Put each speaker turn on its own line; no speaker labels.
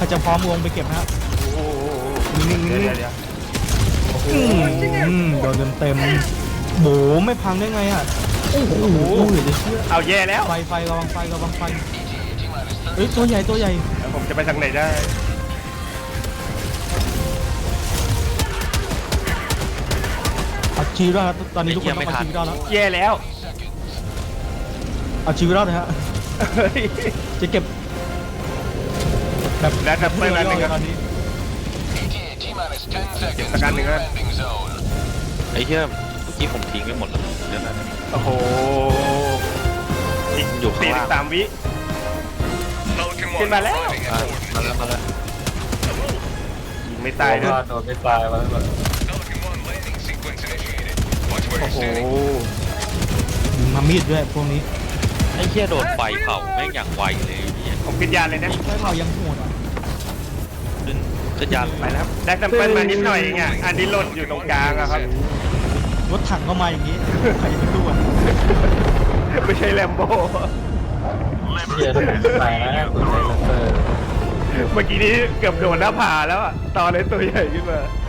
รจะพร้อมลงไปเก็บนะฮะ
โอ้โห
นิ่งๆ
เดี๋
นิ่
ยว
ง
เดี๋ยว
โดนเต็มโบไม่พังได้ไงอ่ะโอ้โหเหลือจะเชื่อ
เอาแย่แล้ว
ไฟระวังไฟเฮ้ยตัวใหญ่
แล้วผมจะไปทางไหนได้
เอาชีวิตรอดตอนนี้ทุกคนต้องเอาชีวิตรอดแล้ว
แย่แล้ว
เอาชีวิตรอดนะฮะ
เฮ้ย
จะเก็บแบบ
แล้วจะไปอะไรกัน
ตอนนี้
เก็บสักการหนึ่งนะ
ไอ้เหี้ยเมื่อกี้ผมทิ้งไปหมดแล้วเดี๋ยวนะ
โอ้โหอีก
อยู่ข้างล่าง
43 วิขึ้นมาแล้ว
มาแล้ว
ยิงไม่ตายด้วย
โดนไม่ตายมาแล้ว
โอ้โห
มามีดด้วยพวกนี้
ไอ้เหี้ยโดนไฟเผาแม่งอย่างไวเลยไอ้เหี้ย
ผมขึ้นยานเลยนะ
ไฟเผายังโหดอ่ะ
ขึ้นยาน
ไปแล้วได้แซมเปิลมานิดหน่อยเองอ่ะอันนี้หล่นอยู่ตรงกลางอะครับ
รถถังก็มาอย่างนี้ใครจะไปสู้อ่ะ
ไม่ใช่แลมโบ้
เฮียตายนะคุณใจเลเซอร์
เมื่อกี้นี้เกือบโดนหน้าผาแล้วอะตอนเลยตัวใหญ่ขึ้นมา